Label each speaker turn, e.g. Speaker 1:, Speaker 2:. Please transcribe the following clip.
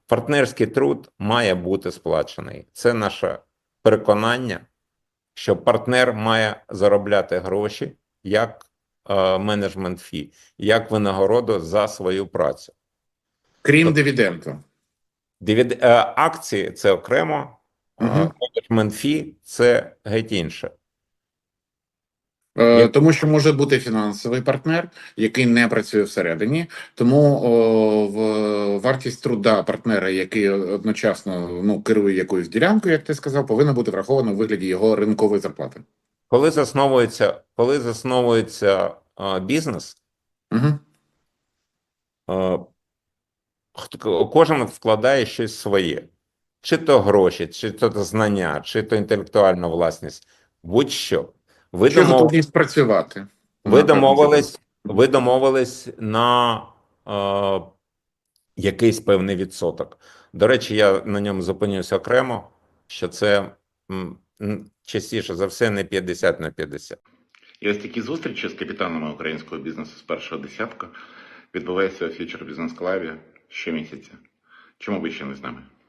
Speaker 1: партнерський труд має бути сплачений. Це наше переконання, що партнер має заробляти гроші як менеджмент фі, як винагороду за свою працю.
Speaker 2: Крім дивіденду.
Speaker 1: Акції – це окремо, менеджмент фі – це геть інше.
Speaker 2: Тому що може бути фінансовий партнер, який не працює всередині, тому вартість труда партнера, який одночасно керує якоюсь ділянкою, як ти сказав, повинна бути врахована у вигляді його ринкової зарплати.
Speaker 1: Коли засновується бізнес, кожен вкладає щось своє. Чи то гроші, чи то знання, чи то інтелектуальна власність, будь-що.
Speaker 2: Чи готовність працювати.
Speaker 1: Ви домовились на якийсь певний відсоток. До речі, я на ньому зупинюся окремо, що це частіше за все не 50 на 50.
Speaker 3: І ось такі зустрічі з капітанами українського бізнесу з першого десятка відбуваються у Future Business Club щомісяця. Чому ви ще не з нами?